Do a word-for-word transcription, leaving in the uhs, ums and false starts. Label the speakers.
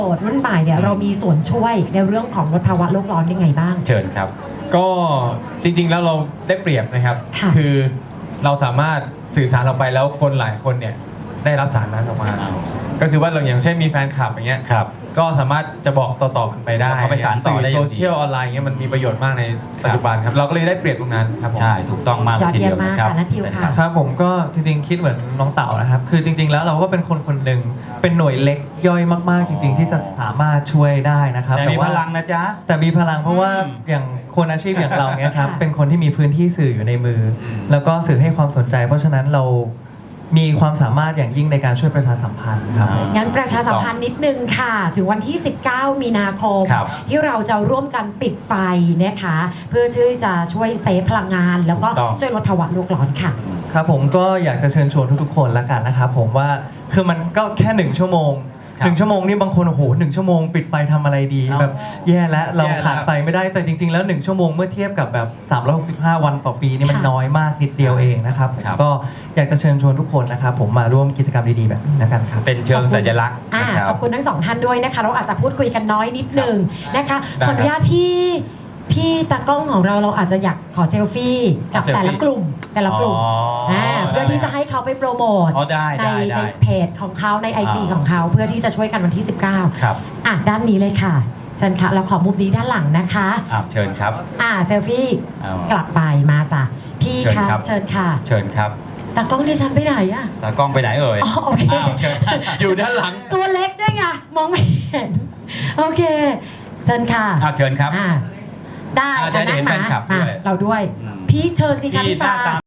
Speaker 1: โสดรุ่นใหม่เนี่ยเรามีส่วนช่วยในเรื่องของลดภาวะโลกร้อนยังไงบ้าง
Speaker 2: เชิญครับ
Speaker 3: ก็จริงๆแล้วเราได้เปรียบนะครับ
Speaker 1: ค่ะ
Speaker 3: คือเราสามารถสื่อสารออกไปแล้วคนหลายคนเนี่ยได้รับสารนั้นออกมา ก็คือว่าเราอย่างเช่นมีแฟนคลับอย่างเงี้ย
Speaker 2: ครับ
Speaker 3: ก็สามารถจะบอกต่อๆกันไปได้
Speaker 2: เขาไปสานต่อได้อย่างดี
Speaker 3: สื่โซเชียลออนไลน์เงี้ยมันมีประโยชน์มากในปัจจุบันครับเราก็เลยได้เปรียบตรงนั้นครับผม
Speaker 2: ใช่ถูกต้องมาก
Speaker 1: ยอด
Speaker 2: ที
Speaker 1: เยี่
Speaker 2: เดี
Speaker 1: ย
Speaker 2: ย
Speaker 1: ม
Speaker 2: ว
Speaker 1: มาก
Speaker 2: นะครับ
Speaker 1: ค่ะนัททิวค่ะ
Speaker 4: ครับผมก็จริงๆคิดเหมือนน้องเต๋านะครับ คือจริง ๆ แล้วเราก็เป็นคนคนหนึ่งเป็นหน่วยเล็กย่อยมากๆ จริง ๆ ที่จะสามารถช่วยได้นะครับ
Speaker 2: แต่มีพ
Speaker 4: ว่า
Speaker 2: ลังนะจ๊ะ
Speaker 4: แต่มีพลังเพราะว่า
Speaker 2: อืม
Speaker 4: อย่างคนอาชีพอย่างเราเนี้ยครับ
Speaker 1: ค่ะ
Speaker 4: เป็นคนที่มีพื้นที่สื่ออยู่ในมืออ
Speaker 2: ม
Speaker 4: แล้วก็สื่อให้ความสนใจ เพราะฉะนั้นเรามีความสามารถอย่างยิ่งในการช่วยประชาสัมพันธ์ครับ
Speaker 1: งั้นประชาสัมพันธ์นิดนึงค่ะ ถึงวันที่ สิบเก้า มีนาคม
Speaker 2: ครับ
Speaker 1: ที่เราจะร่วมกันปิดไฟนะคะ เพื่อที่จะช่วยเซฟพลังงาน แล้วก็
Speaker 2: ถูกต้อง
Speaker 1: ช่วยลดภาวะโลกร้อนค่ะ
Speaker 4: ครับผมก็อยากจะเชิญชวนทุกๆคนละกันนะครับผมว่าคือมันก็แค่หนึ่งชั่วโมง
Speaker 2: ครับ
Speaker 4: หนึ่งชั่วโมงนี่บางคนโอ้โหหนึ่งชั่วโมงปิดไฟทำอะไรดี
Speaker 2: เอา
Speaker 4: แบบแย่แล้วเรา
Speaker 3: แย่แล้ว
Speaker 4: ขาดไฟไม่ได้แต่จริง ๆ แล้วหนึ่งชั่วโมงเมื่อเทียบกับแบบสามร้อยหกสิบห้าวันต่อปีนี่มัน
Speaker 1: ค่ะ
Speaker 4: น้อยมากนิดเดียวเองนะครับ
Speaker 2: ครับ
Speaker 4: ก็อยากจะเชิญชวนทุกคนนะครับผมมาร่วมกิจกรรมดีๆแบบนี้ละกันครับ
Speaker 2: เป็นเชิงสัญลักษณ์
Speaker 1: อ่า
Speaker 2: นะครั
Speaker 1: ข
Speaker 2: บ
Speaker 1: อบคุณทั้งสองท่านด้วยนะคะ เราอาจจะพูดคุยกันน้อยนิดหนึ่งนะคะ
Speaker 3: ได้
Speaker 1: ขออนุญาตพี่พี่ตากล้องของเราเราอาจจะอยากขอเซลฟี่กับ
Speaker 3: ขอเซลฟี่
Speaker 1: แต่ละกลุ่มแต่ละกลุ่ม
Speaker 2: อ๋ออ่
Speaker 1: าเพื่อที่จะให้เขาไปโปรโมท
Speaker 2: อ๋อได้
Speaker 1: ใน
Speaker 2: ได้ได้
Speaker 1: ในเพจของเขาใน ไอ จี
Speaker 2: อ่า
Speaker 1: ของเขาเพื่อที่จะช่วยกันวันที่ สิบเก้า
Speaker 2: ครับ
Speaker 1: อ่ะด้านนี้เลยค่ะเชิญค่ะเราขอมุมนี้ด้านหลังนะคะ
Speaker 2: อ่าเชิญครับ
Speaker 1: อ่าเซลฟี่
Speaker 2: เอา
Speaker 1: กลับไปมาจ้ะพี่
Speaker 2: เชิญ
Speaker 1: คะ
Speaker 2: ครับ
Speaker 1: เชิญค่ะ
Speaker 2: เชิญครับ
Speaker 1: ตากล้องดิฉันไปไหนอะ
Speaker 2: ตากล้องไปไหนเอ่ย
Speaker 1: อ๋อโอเค
Speaker 2: าวเชิญ
Speaker 3: อยู่ด้านหลัง
Speaker 1: ตัวเล็กด้วยไงมองไม่เห็น โอเคเชิญค่ะ
Speaker 2: อ้าวเชิญครับ
Speaker 1: อ่าได้
Speaker 2: อ่าจะได้เห็น
Speaker 1: อ่ะ
Speaker 2: แฟนคลับ
Speaker 1: มา
Speaker 2: ด้วย
Speaker 1: เราด้วย
Speaker 2: อืม
Speaker 1: พี่เชิญสิคะ
Speaker 2: ที่
Speaker 1: พี่
Speaker 2: หน้า
Speaker 1: ฟ้า
Speaker 2: ตา